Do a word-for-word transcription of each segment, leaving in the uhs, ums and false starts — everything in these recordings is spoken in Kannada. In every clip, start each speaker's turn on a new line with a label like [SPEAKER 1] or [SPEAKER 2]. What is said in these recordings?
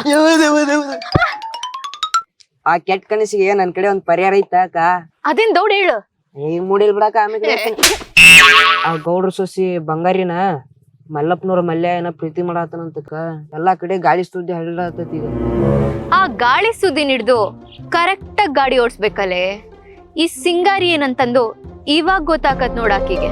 [SPEAKER 1] ಆ ಕೆಟ್ಟ ಕನಸಿಗೆ ನನ್ ಕಡೆ ಒಂದ್ ಪರಿಹಾರ ಐತ ಅಕ್ಕ.
[SPEAKER 2] ಅದೇನ್ ದೌಡ್ ಹೇಳು.
[SPEAKER 1] ಈಗ ಮೂಡಿಲ್ ಬಿಡಾಕ ಆಮೇಲೆ ಆ ಗೌಡ್ರ ಸೊಸಿ ಬಂಗಾರಿನ ಮಲ್ಲಪ್ಪನವ್ರ ಮಲ್ಯ ಏನ ಪ್ರೀತಿ ಮಾಡಾತನಂತಕ್ಕ ಎಲ್ಲಾ ಕಡೆ ಗಾಳಿ ಸುದ್ದಿ ಹರಡತೈತಿ ಈಗ.
[SPEAKER 2] ಆ ಗಾಳಿ ಸುದ್ದಿ ಹಿಡ್ದು ಕರೆಕ್ಟ್ ಆಗಿ ಗಾಡಿ ಓಡಿಸ್ಬೇಕಲ್ಲೇ. ಈ ಸಿಂಗಾರಿ ಏನಂತಂದು ಇವಾಗ ಗೊತ್ತಾಕತ್ ನೋಡಾಕಿಗೆ.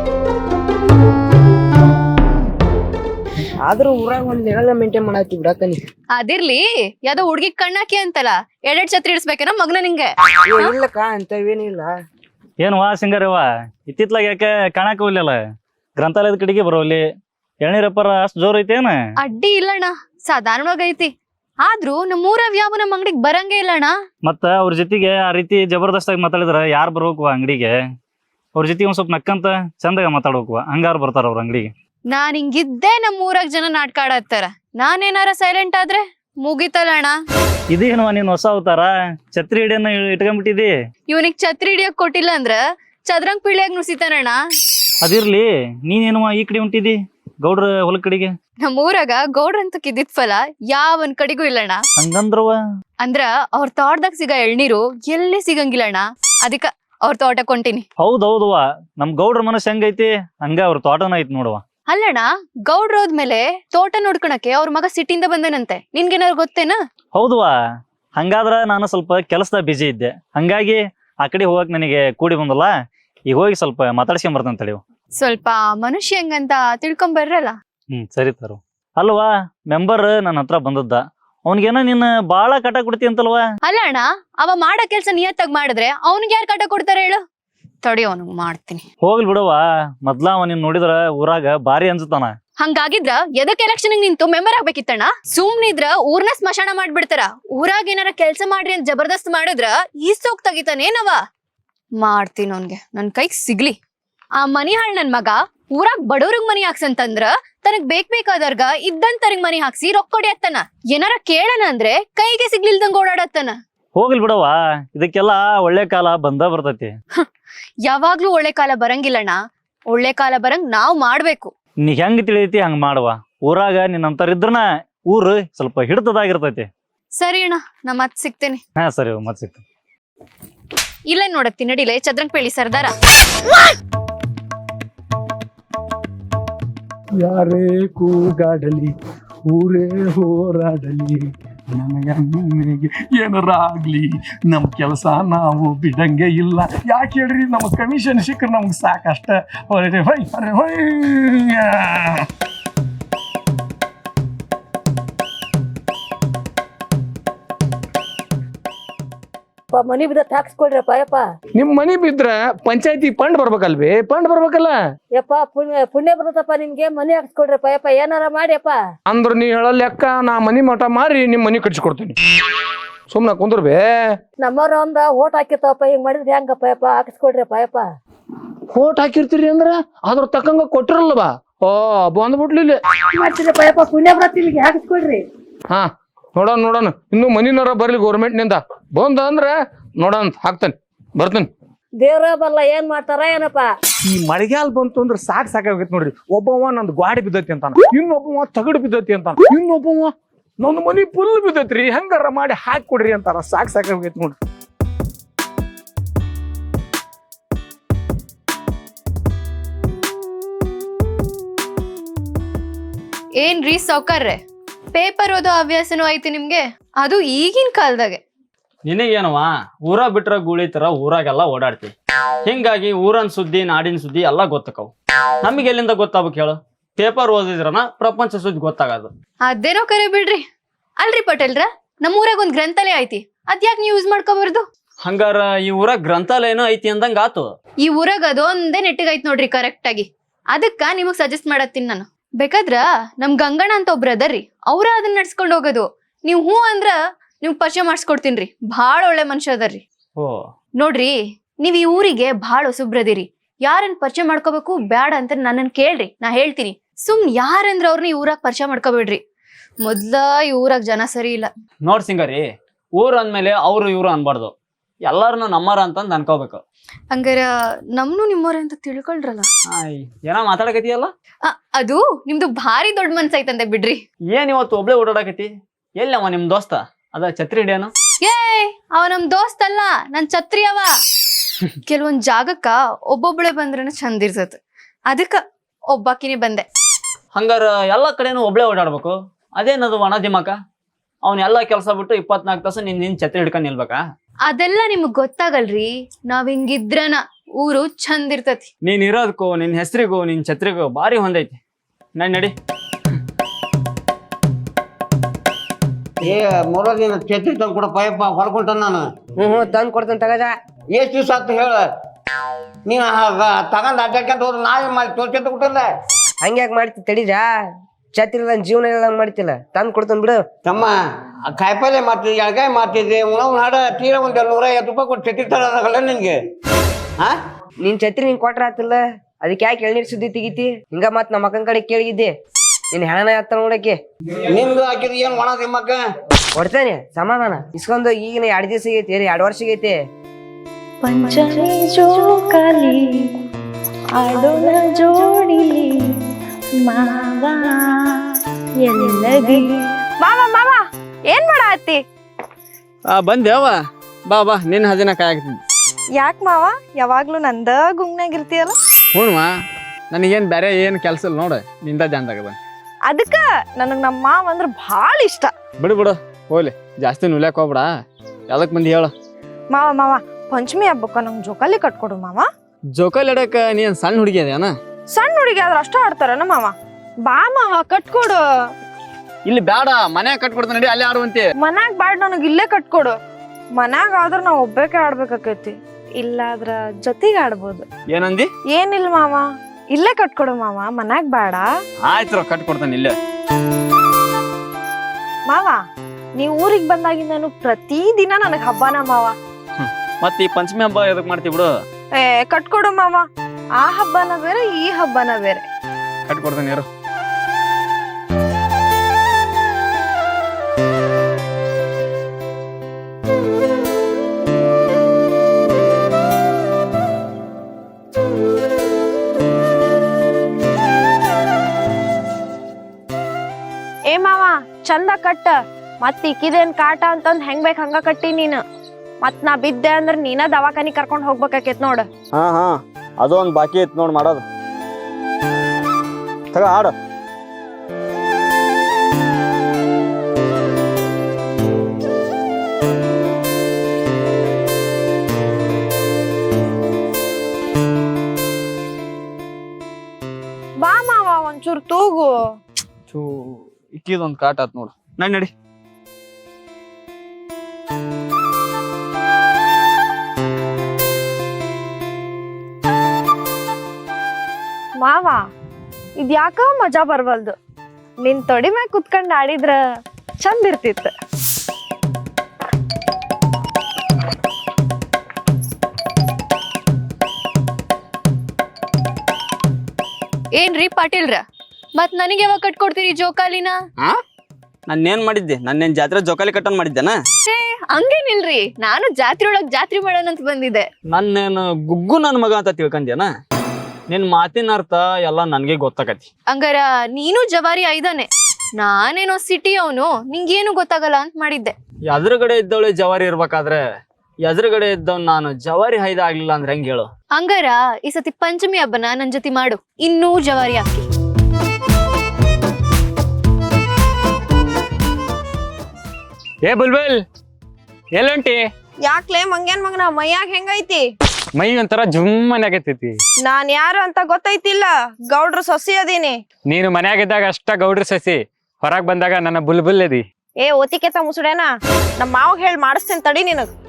[SPEAKER 1] ಆದ್ರೂ ಊರಾಗ ಒಂದ್ ಲೆವೆಲ್ ಮೇಂಟೈನ್ ಮಾಡಾತಿ ಬಿಡಾಕ ನೀ.
[SPEAKER 2] ಅದಿರ್ಲಿ, ಯಾವ್ದೋ ಹುಡ್ಗಿ ಕಣ್ಣಾಕಿ ಅಂತಲ್ಲ, ಎರಡೆರಡ್ ಛತ್ರಿ ಇಡಿಸ್ಬೇಕೇನ ಮಗ್ನ ನಿಂಗೆ?
[SPEAKER 1] ಇಲ್ಲಕ್ಕ ಅಂತವೇನಿಲ್ಲ.
[SPEAKER 3] ಏನು ವಾ ಸಿಂಗಾರವ್ವ, ಇತ್ತಿತ್ಲಾಗ ಯಾಕೆ ಕಾಣಾಕ ಹೋಗ್ಲಿಲ್ಲ? ಗ್ರಂಥಾಲಯದ ಕಡೆಗೆ ಬರೋಲಿ. ಎಳ್ನೀರಪ್ಪರ ಅಷ್ಟ್ ಜೋರ್ ಐತೇನ?
[SPEAKER 2] ಅಡ್ಡಿ ಇಲ್ಲಣ್ಣ, ಸಾಧಾರಣವಾಗಿ ಐತಿ. ಆದ್ರೂ ನಮ್ಮೂರವ್ ಯಾವ ನಮ್ಮ ಅಂಗಡಿಗೆ ಬರಂಗೇ ಇಲ್ಲಣ್ಣ.
[SPEAKER 3] ಮತ್ತ ಅವ್ರ ಜೊತೆಗೆ ಆ ರೀತಿ ಜಬರ್ದಸ್ತಾಗಿ ಮಾತಾಡಿದ್ರ ಯಾರು ಬರ್ಬೇಕು ಅಂಗಡಿಗೆ? ಅವ್ರ ಜೊತೆಗೆ ಒಂದ್ ಸ್ವಲ್ಪ ನಕ್ಕಂತ ಚಂದಾಗ ಮಾತಾಡ್ಬೇಕು, ಹಂಗಾರ ಬರ್ತಾರ ಅವ್ರ ಅಂಗಡಿಗೆ.
[SPEAKER 2] ನಾನ್ ಹಿಂಗಿದ್ದೆ ನಮ್ಮೂರಾಗ ಜನ ನಾಟಕ ಆಡತ್ತಾರ, ನಾನೇನಾರ ಸೈಲೆಂಟ್ ಆದ್ರೆ ಮುಗಿತಲ್ಲಣ್ಣ.
[SPEAKER 3] ಇದೇನುವ ನೀನ್ ಹೊಸ ಅವತಾರ, ಛತ್ರಿ ಹಿಡಿಯನ್ನ ಇಟ್ಕೊಂಡ್ಬಿಟ್ಟಿದಿ.
[SPEAKER 2] ಇವನಿಗ್ ಛತ್ರಿ ಹಿಡಿಯಕ್ ಕೊಟ್ಟಿಲ್ಲ ಅಂದ್ರ ಚದ್ರಂಗ್ ಪಿಳಿಯಾಗ ನುಸಿತಾನಣ್ಣ.
[SPEAKER 3] ಅದಿರ್ಲಿ, ನೀನೇನುವ ಈ ಕಡೆ ಹೊಂಟಿದಿ ಗೌಡ್ರ ಹೊಲ ಕಡೆಗೆ?
[SPEAKER 2] ನಮ್ಮೂರಾಗ ಗೌಡ್ರಂತ ಕಿದ್ದಿದ್ ಫಲ ಯಾವನ್ ಕಡೆಗೂ ಇಲ್ಲಣ್ಣ.
[SPEAKER 3] ಹಂಗಂದ್ರವ
[SPEAKER 2] ಅಂದ್ರ ಅವ್ರ ತೋಟದಾಗ ಸಿಗ ಎಳ್ನೀರು ಎಲ್ಲಿ ಸಿಗಂಗಿಲ್ಲಣ್ಣ, ಅದಕ್ಕ ಅವ್ರ ತೋಟ ಕೊಂಟಿನಿ.
[SPEAKER 3] ಹೌದೌದುವ, ನಮ್ ಗೌಡ್ರ ಮನಸ್ಸು ಹೆಂಗೈತಿ ಹಂಗ ಅವ್ರ ತೋಟನ ಐತಿ ನೋಡುವ.
[SPEAKER 2] ಅಲ್ಲಣ್ಣ, ಗೌಡ್ರ ಹೋದ್ಮೇಲೆ ತೋಟ ನೋಡ್ಕೊಳಕ್ಕೆ ಅವ್ರ ಮಗ ಸಿಟಿಂದ ಬಂದನಂತೆ, ನಿನ್ಗೇನಾರು ಗೊತ್ತೇನಾ?
[SPEAKER 3] ಹೌದವಾ, ಹಂಗಾದ್ರ ನಾನು ಸ್ವಲ್ಪ ಕೆಲಸದ ಬಿಜಿ ಇದ್ದೆ, ಹಂಗಾಗಿ ಆ ಕಡೆ ಹೋಗಕ್ ನನಗೆ ಕೂಡಿ ಬಂದಲ್ಲ. ಈಗ ಹೋಗಿ ಸ್ವಲ್ಪ ಮಾತಾಡ್ಸ್ಕೊಂಡ್ ಬರ್ತಂತ ತಡಿವು.
[SPEAKER 2] ಸ್ವಲ್ಪ ಮನುಷ್ಯ ಹೆಂಗಂತ ತಿಳ್ಕೊಂಬರ್ರಲ್ಲ.
[SPEAKER 3] ಹ್ಮ್ ಸರಿ ತರು. ಅಲ್ವಾ, ಮೆಂಬರ್ ನನ್ನ ಹತ್ರ ಬಂದದ್ದ, ಅವನ್ಗೇನ ನಿನ್ನ ಬಾಳ ಕಟ ಕೊಡ್ತಿ ಅಂತಲ್ವಾ?
[SPEAKER 2] ಅಲ್ಲ ಅಣ್ಣ, ಅವ ಮಾಡೋ ಕೆಲ್ಸ ನಿಯತ್ತಾಗಿ ಮಾಡಿದ್ರೆ ಅವನಿಗೆ ಯಾರು ಕಟ ಕೊಡ್ತಾರೆ ಹೇಳು? ತಡಿ, ಅವನಿಗೆ ಮಾಡ್ತೀನಿ.
[SPEAKER 3] ಹೋಗ್ಲಿ ಬಿಡವಾ, ಮೊದ್ಲ ಅವ ನಿನ್ ನೋಡಿದ್ರ ಊರಾಗ ಬಾರಿ ಅನ್ಸುತ್ತಾನ.
[SPEAKER 2] ಹಂಗಾಗಿದ್ರ ಎದಕ್ ಎಲೆಕ್ಷನ್ ನಿಂತು ಮೆಂಬರ್ ಆಗ್ಬೇಕಿತ್ತಣ್ಣ? ಸುಮ್ನಿದ್ರ ಊರ್ನ ಸ್ಮಶಾನ ಮಾಡ್ಬಿಡ್ತಾರ. ಊರಾಗ ಏನಾರ ಕೆಲ್ಸ ಮಾಡ್ರಿ ಅಂತ ಜಬರ್ದಸ್ತ್ ಮಾಡಿದ್ರ ಈ ಸೋಕ್ ತೆಗಿತಾನೇನವ? ಮಾಡ್ತೀನಿ ಅವನ್ಗೆ, ನನ್ ಕೈಗ್ ಸಿಗ್ಲಿ. ಆ ಮನಿ ಹಾಳ್ ನನ್ ಮಗ ಊರಾಗ ಬಡವ್ರಿಗ್ ಮನಿ ಹಾಕ್ಸಂತಂದ್ರ ತನಗ್ ಬೇಕ್ ಬೇಕಾದವ್ರಗ ಇದ್ದಂತರಿಗ್ ಮನಿ ಹಾಕ್ಸಿ ರೊಕ್ಕ ಕೊಡಿಯತ್ತನ. ಏನಾರ ಕೇಳನ ಅಂದ್ರೆ ಕೈಗೆ ಸಿಗ್ಲಿಲ್ದಂಗ ಓಡಾಡತ್ತನ.
[SPEAKER 3] ಹೋಗ್ಲಿ ಬಿಡವಾ, ಇದಕ್ಕೆಲ್ಲ ಒಳ್ಳೆ ಕಾಲ ಬಂದ ಬರ್ತೈತಿ.
[SPEAKER 2] ಯಾವಾಗ್ಲೂ ಒಳ್ಳೆ ಕಾಲ ಬರಂಗಿಲ್ಲಣ್ಣ, ಒಳ್ಳೆ ಕಾಲ ಬರಂಗ್ ನಾವ್ ಮಾಡ್ಬೇಕು.
[SPEAKER 3] ನೀ ಹೆಂಗ್ ತಿಳಿಯತಿ ಹಂಗ ಮಾಡುವ. ಊರಾಗ ನಿನ್ನಂತರ ಇದ್ರನ ಊರು ಸ್ವಲ್ಪ ಹಿಡಿತದಾಗಿರ್ತೈತಿ.
[SPEAKER 2] ಸರಿ ಅಣ್ಣ, ನಾ ಮತ್ ಸಿಗ್ತೇನೆ.
[SPEAKER 3] ಹಾ ಸರಿ, ಮತ್ ಸಿಗ್ತೀನಿ.
[SPEAKER 2] ಇಲ್ಲ ನೋಡತ್ತಿ, ನಡಿಲೆ ಚದ್ರಂಗ್ ಪೇಳಿ ಸರ್ದಾರ.
[SPEAKER 4] ಯಾರೇ ಕೂಗಾಡಲಿ, ಊರೇ ಹೋರಾಡಲಿ, ನನಗೆ ಏನಾರ ಆಗ್ಲಿ, ನಮ್ ಕೆಲಸ ನಾವು ಬಿಡಂಗೆ ಇಲ್ಲ. ಯಾಕೆ ಹೇಳ್ರಿ, ನಮಗ್ ಕಮಿಷನ್ ಸಿಕ್ಕರೆ ನಮ್ಗೆ ಸಾಕಷ್ಟ. ಹೊಯ್ ಹೊಯ್ ಹೊಯ್.
[SPEAKER 5] ಮನಿ ಬಿದ್ದ ಹಾಕ್ಸ್ಕೊಳ್ರಪ್ಪ. ಯಪ್ಪ
[SPEAKER 4] ನಿಮ್ ಮನಿ ಬಿದ್ರ ಪಂಚಾಯತಿ ಫಂಡ್ ಬರ್ಬೇಕಲ್ವೇ? ಫಂಡ್ ಬರ್ಬೇಕಲ್ಲ.
[SPEAKER 5] ಯಪ್ಪ ಪುಣ್ಯ ಪುಣ್ಯ ಬರುತ್ತಪ್ಪ ನಿಮ್ಗೆ, ಮನಿ ಹಾಕ್ಸ್ಕೊಳ್ರಪ್ಪ. ಯಪ್ಪ ಏನಾರ ಮಾಡಿಯಪ್ಪ.
[SPEAKER 4] ಅಂದ್ರ ನೀ ಹೇಳೋ ಲೆಕ್ಕ ನಾ ಮನಿ ಮಠ ಮಾರಿ ನಿಮ್ ಮನಿ ಕಟ್ಸಿಕೊಡ್ತೀನಿ. ಸುಮ್ನ ಕುಂದ್ರಬೇ.
[SPEAKER 5] ನಮ್ಮವ್ರ ಒಂದ ಓಟ್ ಹಾಕಿರ್ತವಪ್ಪ, ಹಿಂಗ್ ಮಾಡಿದ್ರೆ ಹೆಂಗಪ್ಪ? ಯಪ್ಪ ಹಾಕ್ಸ್ಕೊಳ್ರಪ್ಪ. ಯಪ್ಪ
[SPEAKER 4] ಓಟ್ ಹಾಕಿರ್ತೀರಿ ಅಂದ್ರ ಅದ್ರ ತಕ್ಕಂಗ ಕೊಟ್ಟಿರಲ್ವಾ? ಓ ಬಂದ್ಬಿಡ್ಲಿಲ್ಲ
[SPEAKER 5] ಮಾಡ್ತೀರಪ್ಪ. ಯಪ್ಪ ಪುಣ್ಯ ಬರತ್ತಿ, ಇಲ್ಲಿಗೆ ಹಾಕಿಸ್ಕೊಳ್ರಿ.
[SPEAKER 4] ಹಾ ನೋಡೋಣ ನೋಡೋಣ, ಇನ್ನು ಮನಿನಾರ ಬರ್ಲಿ ಗೌರ್ಮೆಂಟ್ ನಿಂದ. ಬಂದ ಅಂದ್ರ ನೋಡೋಣ, ಹಾಕ್ತಾನೆ, ಬರ್ತೇನೆ.
[SPEAKER 5] ದೇವ್ರ ಬಲ್ಲ ಏನ್ ಮಾಡ್ತಾರ ಏನಪ್ಪ?
[SPEAKER 4] ಈ ಮಳೆಗಾಲ ಬಂತು ಅಂದ್ರೆ ಸಾಕ್ ಸಾಕಾಗೈತಿ ನೋಡ್ರಿ. ಒಬ್ಬವ ನಂದು ಗಾಡಿ ಬಿದ್ದತಿ ಅಂತಾನ, ಇನ್ನೊಬ್ಬವ ತಗಡು ಬಿದ್ದತಿ ಅಂತಾನ, ಇನ್ನೊಬ್ಬವ ನಂದು ಮನಿ ಫುಲ್ ಬಿದ್ದತ್ರಿ, ಹೆಂಗಾರ ಮಾಡಿ ಹಾಕಿ ಕೊಡ್ರಿ ಅಂತಾರ. ಸಾಕ್ ಸಾಕಾಗೈತಿ ನೋಡ್ರಿ.
[SPEAKER 2] ಏನ್ರೀ ಸೌಕರ್ರೆ, ಪೇಪರ್ ಓದೋ ಹವ್ಯಾಸನೂ ಐತಿ ನಿಮ್ಗೆ, ಅದು ಈಗಿನ ಕಾಲದಾಗೆ.
[SPEAKER 6] ನಿನಗೇನವ, ಊರ ಬಿಟ್ರ ಗೂಳಿ ತರ ಊರಾಗೆಲ್ಲ ಓಡಾಡ್ತಿ, ಹಿಂಗಾಗಿ ಊರನ್ ಸುದ್ದಿ ನಾಡಿನ ಸುದ್ದಿ ಎಲ್ಲ ಗೊತ್ತಕವು. ನಮಗೆ ಎಲ್ಲಿಂದ ಗೊತ್ತಾಗ್ಬೇಕು ಹೇಳು? ಪೇಪರ್ ಓದಿದ್ರನ ಪ್ರಪಂಚ ಸುದ್ದಿ ಗೊತ್ತಾಗದು.
[SPEAKER 2] ಅದೇನೋ ಕರೆ ಬಿಡ್ರಿ. ಅಲ್ರಿ ಪಟೇಲ್ರ, ನಮ್ಮ ಊರಾಗ ಒಂದ್ ಗ್ರಂಥಾಲಯ ಐತಿ, ಅದ್ಯಾಕ್ ನೀವು ಯೂಸ್ ಮಾಡ್ಕೋಬಾರ್ದು?
[SPEAKER 6] ಹಂಗಾರ ಈ ಊರಾಗ ಗ್ರಂಥಾಲಯನೂ ಐತಿ ಅಂದಂಗ ಆತು.
[SPEAKER 2] ಈ ಊರಾಗ ಅದೊಂದೇ ನೆಟ್ಟಿಗೈತ್ ನೋಡ್ರಿ ಕರೆಕ್ಟ್ ಆಗಿ. ಅದಕ್ಕ ನಿಮಗ್ ಸಜೆಸ್ಟ್ ಮಾಡತ್ತೀನಿ ನಾನು. ಬೇಕಾದ್ರ ನಮ್ ಗಂಗಣ್ಣ ಅಂತ ಒಬ್ರು ಅದರ್ರಿ, ಅವ್ರ ಅದನ್ನ ನಡ್ಸ್ಕೊಂಡ್ ಹೋಗೋದು. ನೀವ್ ಹೂ ಅಂದ್ರ ನಿಮ್ಗ್ ಪರಿಚಯ ಮಾಡಿಸ್ಕೊಡ್ತೀನ್ರಿ, ಭಾಳ ಒಳ್ಳೆ ಮನುಷ್ಯ ಅದರ್ರಿ.
[SPEAKER 6] ಓ
[SPEAKER 2] ನೋಡ್ರಿ, ನೀವ್ ಈ ಊರಿಗೆ ಭಾಳ ಹೊಸಬ್ರದಿರಿ, ಯಾರನ್ ಪರಿಚಯ ಮಾಡ್ಕೋಬೇಕು ಬ್ಯಾಡ ಅಂತ ನನ್ನನ್ ಕೇಳ್ರಿ, ನಾ ಹೇಳ್ತೀನಿ. ಸುಮ್ ಯಾರಂದ್ರ ಅವ್ರನ್ನ ಈ ಊರಾಗ ಪರಿಚಯ ಮಾಡ್ಕೋಬೇಡ್ರಿ. ಮೊದ್ಲ ಈ ಊರಾಗ ಜನ ಸರಿ ಇಲ್ಲ.
[SPEAKER 6] ನೋಡ್ ಸಿಂಗಾರಿ, ಊರ್ ಅಂದ್ಮೇಲೆ ಅವ್ರು ಇವ್ರು ಅನ್ಬಾರ್ದು, ಎಲ್ಲಾರನು ನಮ್ಮರ ಅಂತಂದ್ ಅನ್ಕೋಬೇಕು.
[SPEAKER 2] ಹಂಗಾರ ನಮ್ನು ನಿಮ್ಮವ್ರ ಅಂತ ತಿಳ್ಕೊಳ್ರಲ್ಲ.
[SPEAKER 6] ಏನೋ ಮಾತಾಡಕತಿಯಲ್ಲ?
[SPEAKER 2] ಅದು ನಿಮ್ದು ಭಾರಿ ದೊಡ್ಡ ಮನ್ಸ ಐತಂತೆ ಬಿಡ್ರಿ.
[SPEAKER 6] ಏನ್ ಇವತ್ತು ಒಬ್ಳೆ ಓಡಾಡಕತಿ? ಎಲ್ಲಿ ಅವ ನಿಮ್ ದೋಸ್ತ ಅದ ಛತ್ರಿ ಹಿಡಿಯನು?
[SPEAKER 2] ಏಯ್ ಅವ ನಮ್ ದೋಸ್ತ್ ಅಲ್ಲ ನನ್ ಛತ್ರಿ ಅವ. ಕೆಲವೊಂದ್ ಜಾಗಕ್ಕ ಒಬ್ಬೊಬ್ಳೆ ಬಂದ್ರನ ಚಂದ ಇರ್ತದ, ಅದಕ್ಕ ಒಬ್ಬಾಕಿನೇ ಬಂದೆ.
[SPEAKER 6] ಹಂಗಾರ ಎಲ್ಲಾ ಕಡೆನೂ ಒಬ್ಳೆ ಓಡಾಡ್ಬೇಕು, ಅದೇನದು ಒಣ ದಿಮಾಕ? ಅವ್ನ ಎಲ್ಲಾ ಕೆಲಸ ಬಿಟ್ಟು ಇಪ್ಪತ್ನಾಲ್ಕು ತಾಸು ನಿನ್ ನಿನ್ ಛತ್ರಿ ಹಿಡ್ಕೊಂಡ್ ನಿಲ್ಬೇಕಾ?
[SPEAKER 2] ಅದೆಲ್ಲ ನಿಮಗ್ ಗೊತ್ತಾಗಲ್ರಿ. ನಾವ್ ಹಿಂಗಿದ್ರನ ಊರು ಚಂದ ಇರ್ತತಿ.
[SPEAKER 6] ನೀನ್ ಇರೋದಕ್ಕೂ ನಿನ್ ಹೆಸರಿಗೂ ನಿನ್ ಛತ್ರಿಗೂ ಭಾರಿ ಹೊಂದೈತಿ. ನಡಿ ನಡಿ.
[SPEAKER 7] ಏ ಮೂರ ದಿನ ಛತ್ರಿ ತಂದು ಕೊಡ ಪಯಪ್ಪ ಹೊಡ್ಕೊಂಟ ನಾನು.
[SPEAKER 1] ಹ್ಮ್ ಹ್ಮ್ ತಂದ್ ಕೊಡ್ತೇನೆ ತಗದ.
[SPEAKER 7] ಎಷ್ಟು ದಿವಸ ಆತು ಹೇಳ, ನೀನು ತಗೊಂಡ್ ಅಡ್ಡಾಡ್ಕೊಂತ ಹೋದ್ರೆ ನಾವೇನ್ ಮಾಡಿ ತೋರ್ಸಂತ ಕೊಟ್ಟಿಲ್ಲ.
[SPEAKER 1] ಹಂಗ್ಯಾಕ್ ಮಾಡ್ತಿ ತಡಿಜಾ, ಛತ್ರಿ ನನ್ ಜೀವನ ಇಲ್ದಂಗ್ ಮಾಡ್ತಿಲ್ಲ, ತಂದ್ ಕೊಡ್ತೇನೆ ಬಿಡು.
[SPEAKER 7] ತಮ್ಮ ಕಾಯಿಪಲ್ಲೆ ಮಾಡ್ತಿದ್ದೆ, ಎಳ್ಗಾಯಿ ಮಾಡ್ತಿದ್ದೆ, ಉಣವ್ ಹಾಡ ತೀರ ಒಂದ್ ನೂರ ಐವತ್ತು ರೂಪಾಯಿ ಕೊಟ್ಟು ಛತ್ರಿ ತರೋದಾಗಲ್ಲ ನಿನ್ಗೆ. ಹಾ
[SPEAKER 1] ನಿನ್ ಛತ್ರಿ ನಿನ್ ಕೊಟ್ರ ಆತಿಲ್ಲ, ಅದಕ್ಕೆ ಯಾಕೆ ಎಳ್ನೀರ್ ಸುದ್ದಿ ತೆಗಿತಿ? ಹಿಂಗ ಮತ್ ನಮ್ಮ ಅಕ್ಕನ ಕಡೆ ಕೇಳಿದ್ದೆ, ನಿನ್ ಹೆಣನ ಎತ್ತ ನೋಡಕ್ಕೆ.
[SPEAKER 7] ನಿಮ್ದು ಹಾಕಿದ್ ಏನ್ ಒಣ ದಿಮ್ಮಕ್ಕ?
[SPEAKER 1] ಕೊಡ್ತೇನೆ ಸಮಾಧಾನ ಇಸ್ಕೊಂಡು. ಈಗಿನ ಎರಡ್ ದಿವಸ ಆಗೈತಿ, ಎರಡ್ ವರ್ಷ ಆಗೈತಿ.
[SPEAKER 8] ಪಂಚಮಿ ಜೋಕಾಲಿ ಆಡೋಣ ಜೋಡಿಲಿ ಮಾವ ಎಲ್ಲದಿ.
[SPEAKER 2] ಮಾವ ಮಾವ ಏನ್ ಮಾಡಾತಿ?
[SPEAKER 6] ಆ ಬಂದೇವ, ಬಾ ಬಾ ನಿನ್ನ ಹದಿನ ಕಾಯಾಗ್ತಿದ್ದೆ.
[SPEAKER 8] ಯಾಕ್ ಮಾವ ಯಾವಾಗ್ಲೂ ನಂದ ಗುಂಗ್ನಾಗಿರ್ತೀಯಲ್ಲ?
[SPEAKER 6] ಹ್ಞೂ, ನನಗೇನ್ ಬೇರೆ ಏನ್ ಕೆಲ್ಸ ಇಲ್ಲ ನೋಡ, ನಿಂದ ಜಾನ್ದಾಗ ಬಾ.
[SPEAKER 8] ಅದಕ್ಕ ನನಗ್ ನಮ್ಮ ಮಾವ ಅಂದ್ರ ಭಾಳ ಇಷ್ಟ.
[SPEAKER 6] ಬಿಡು ಬಿಡು ಹೋಗ್ಲಿ, ಜಾಸ್ತಿ ನುಲ್ಯಾಕ್ ಹೋಗ್ಬೇಡ. ಯಾವ್ದಕ್ ಮಂದಿ ಹೇಳ?
[SPEAKER 8] ಮಾವ ಮಾವ ಪಂಚಮಿ ಹಬ್ಬಕ್ಕ ನಂಗ್ ಜೋಕಾಲಿ ಕಟ್ಕೊಡು ಮಾವ.
[SPEAKER 6] ಜೋಕಾಲಿ ಆಡಕ ನೀನ್ ಸಣ್ಣ ಹುಡುಗಿ ಅದೇನ?
[SPEAKER 8] ಸಣ್ಣ ಹುಡುಗಿ ಆದ್ರ ಅಷ್ಟ ಆಡ್ತಾರನ ಮಾವ? ಬಾ ಮಾವ ಕಟ್ಕೊಡು.
[SPEAKER 6] ಇಲ್ಲಿ ಬ್ಯಾಡ, ಮನ್ಯಾಗ ಕಟ್ಕೊಡ್ತಾನ ನಡಿ, ಅಲ್ಲಿ ಆಡುವಂತೆ.
[SPEAKER 8] ಮನ್ಯಾಗ ಬ್ಯಾಡ, ನನಗ್ ಇಲ್ಲೇ ಕಟ್ಕೊಡು. ಮನ್ಯಾಗ ಆದ್ರ ನಾವ್ ಒಬ್ಬೇಕೆ ಆಡ್ಬೇಕಾಕೈತಿ, ಇಲ್ಲಾದ್ರ ಜೊತೆಗೆ ಆಡ್ಬೋದು.
[SPEAKER 6] ಏನಂದಿ?
[SPEAKER 8] ಏನಿಲ್ಲ ಮಾವ, ಇಲ್ಲೇ ಕಟ್ಕೊಡು ಮಾವ, ಮನ್ಯಾಗ ಬೇಡ.
[SPEAKER 6] ಆಯ್ತು ಕಟ್ಕೊಡ್ತಾನೆ ಇಲ್ಲೇ.
[SPEAKER 8] ಮಾವ ನೀವ್ ಊರಿಗ್ ಬಂದಾಗಿಂದ ಪ್ರತಿ ದಿನ ನನಗ್ ಹಬ್ಬನ ಮಾವ.
[SPEAKER 6] ಮತ್ ಈ ಪಂಚಮಿ ಹಬ್ಬ ಎದಕ್ ಮಾಡ್ತಿ ಬಿಡು.
[SPEAKER 8] ಏ ಕಟ್ಕೊಡು ಮಾವ, ಆ ಹಬ್ಬನ ಬೇರೆ ಈ ಹಬ್ಬನ ಬೇರೆ.
[SPEAKER 6] ಕಟ್ಕೊಡ್ತಾನೆ ಇರು.
[SPEAKER 8] ಏ ಮಾವ ಚಂದ ಕಟ್ಟ, ಮತ್ ಇಕ್ಕಿದೇನ್ ಕಾಟ ಅಂತಂದ್ ಹೆಂಗ್ ಬೇಕ್ ಹಂಗ ಕಟ್ಟಿ ನೀನು. ಮತ್ ನಾ ಬಿದ್ದೆ ಅಂದ್ರ ನೀನ ದವಾಖಾನಿ ಕರ್ಕೊಂಡ್ ಹೋಗ್ಬೇಕಾಕೇತ್ ನೋಡ.
[SPEAKER 6] ಹಾ ಹಾ ಅದೊಂದ್ ಬಾಕಿ ಐತ್ ನೋಡ್ ಮಾಡೋದು. ತಗ ಆಡು.
[SPEAKER 8] ಬಾ ಮಾವ ಒಂಚೂರ್ ತೂಗು.
[SPEAKER 6] ಚೂ ಇಕ್ಕಿದೊಂದ್ ಕಾಟ ಆತ್ ನೋಡು. ನಡಿ ನಡಿ.
[SPEAKER 8] ಮಾವ ಇದ್ಯಾಕ ಮಜಾ ಬರ್ವಲ್ದು. ನಿನ್ ತೊಡಿ ಮ್ಯಾಗ ಕುತ್ಕೊಂಡ್ ಆಡಿದ್ರ ಚಂದ ಇರ್ತಿತ್ತು.
[SPEAKER 2] ಏನ್ರಿ ಪಾಟೀಲ್ರ, ಮತ್ ನನಗೆ ಯಾವಾಗ ಕಟ್ಕೊಡ್ತೀರಿ ಜೋಕಾಲಿನ?
[SPEAKER 6] ಹಾ ನಾನೇನ್ ಮಾಡಿದ್ದೆ? ನಾನೇನ್ ಜಾತ್ರೆ ಜೋಕಾಲಿ ಕಟ್ಟನ್ ಮಾಡಿದ್ದೇನ?
[SPEAKER 2] ಏ ಹಂಗೇನಿಲ್ರಿ, ನಾನು ಜಾತ್ರೆ ಒಳಗ್ ಜಾತ್ರೆ ಮಾಡೋಣಂತ ಬಂದಿದ್ದೆ.
[SPEAKER 6] ನನ್ನೇನು ಗುಗ್ಗು ನನ್ ಮಗ ಅಂತ ತಿಳ್ಕಂದ್ಯಾನ? ನಿನ್ ಮಾತಿನ ಅರ್ಥ ಎಲ್ಲ ನನ್ಗೆ ಗೊತ್ತಾಗತಿ.
[SPEAKER 2] ಹಂಗಾರ ನೀನು ಜವಾರಿ ಐದಾನೆ, ನಾನೇನೋ ಸಿಟಿ ಅವನು, ನಿಂಗೇನು ಗೊತ್ತಾಗಲ್ಲ ಅಂತ ಮಾಡಿದ್ದೆ.
[SPEAKER 6] ಎದುರುಗಡೆ ಇದ್ದವಳೆ ಜವಾರಿ ಇರ್ಬೇಕಾದ್ರೆ ಎದುರುಗಡೆ ಇದ್ದವ್ ನಾನು ಜವಾರಿ ಹೈದ ಆಗ್ಲಿಲ್ಲ ಅಂದ್ರೆ ಹೆಂಗ್ ಹೇಳು?
[SPEAKER 2] ಹಂಗಾರ ಈ ಸತಿ ಪಂಚಮಿ ಹಬ್ಬನ ನನ್ ಜೊತೆ ಮಾಡು, ಇನ್ನೂ ಜವಾರಿ ಹಾಕಿ.
[SPEAKER 9] ಏ ಬುಲ್ಬುಲ್ ಎಲ್ಲಂಟಿ?
[SPEAKER 8] ಯಾಕ್ಲೆ ಮಂಗ್ಯಾನ್ ಮಗನ ಮೈಯಾಗ ಹೆಂಗೈತಿ?
[SPEAKER 9] ಮೈ ಒಂಥರ ಜುಮ್ಮನೆ ಆಗತೈತಿ.
[SPEAKER 8] ನಾನ್ ಯಾರು ಅಂತ ಗೊತ್ತೈತಿಲ್ಲ, ಗೌಡ್ರ ಸೊಸಿ ಅದೀನಿ.
[SPEAKER 9] ನೀನು ಮನ್ಯಾಗಿದ್ದಾಗ ಅಷ್ಟ ಗೌಡ್ರ ಸಸಿ, ಹೊರಗ್ ಬಂದಾಗ ನನ್ನ ಬುಲ್ಬುಲ್ ಅದಿ.
[SPEAKER 8] ಏ ಓತಿಕೆತ ಮುಸುಡೇನ, ನಮ್ಮ ಮಾವಾಗ ಹೇಳಿ ಮಾಡಿಸ್ತೇನೆ ತಡಿ ನಿನಗ್.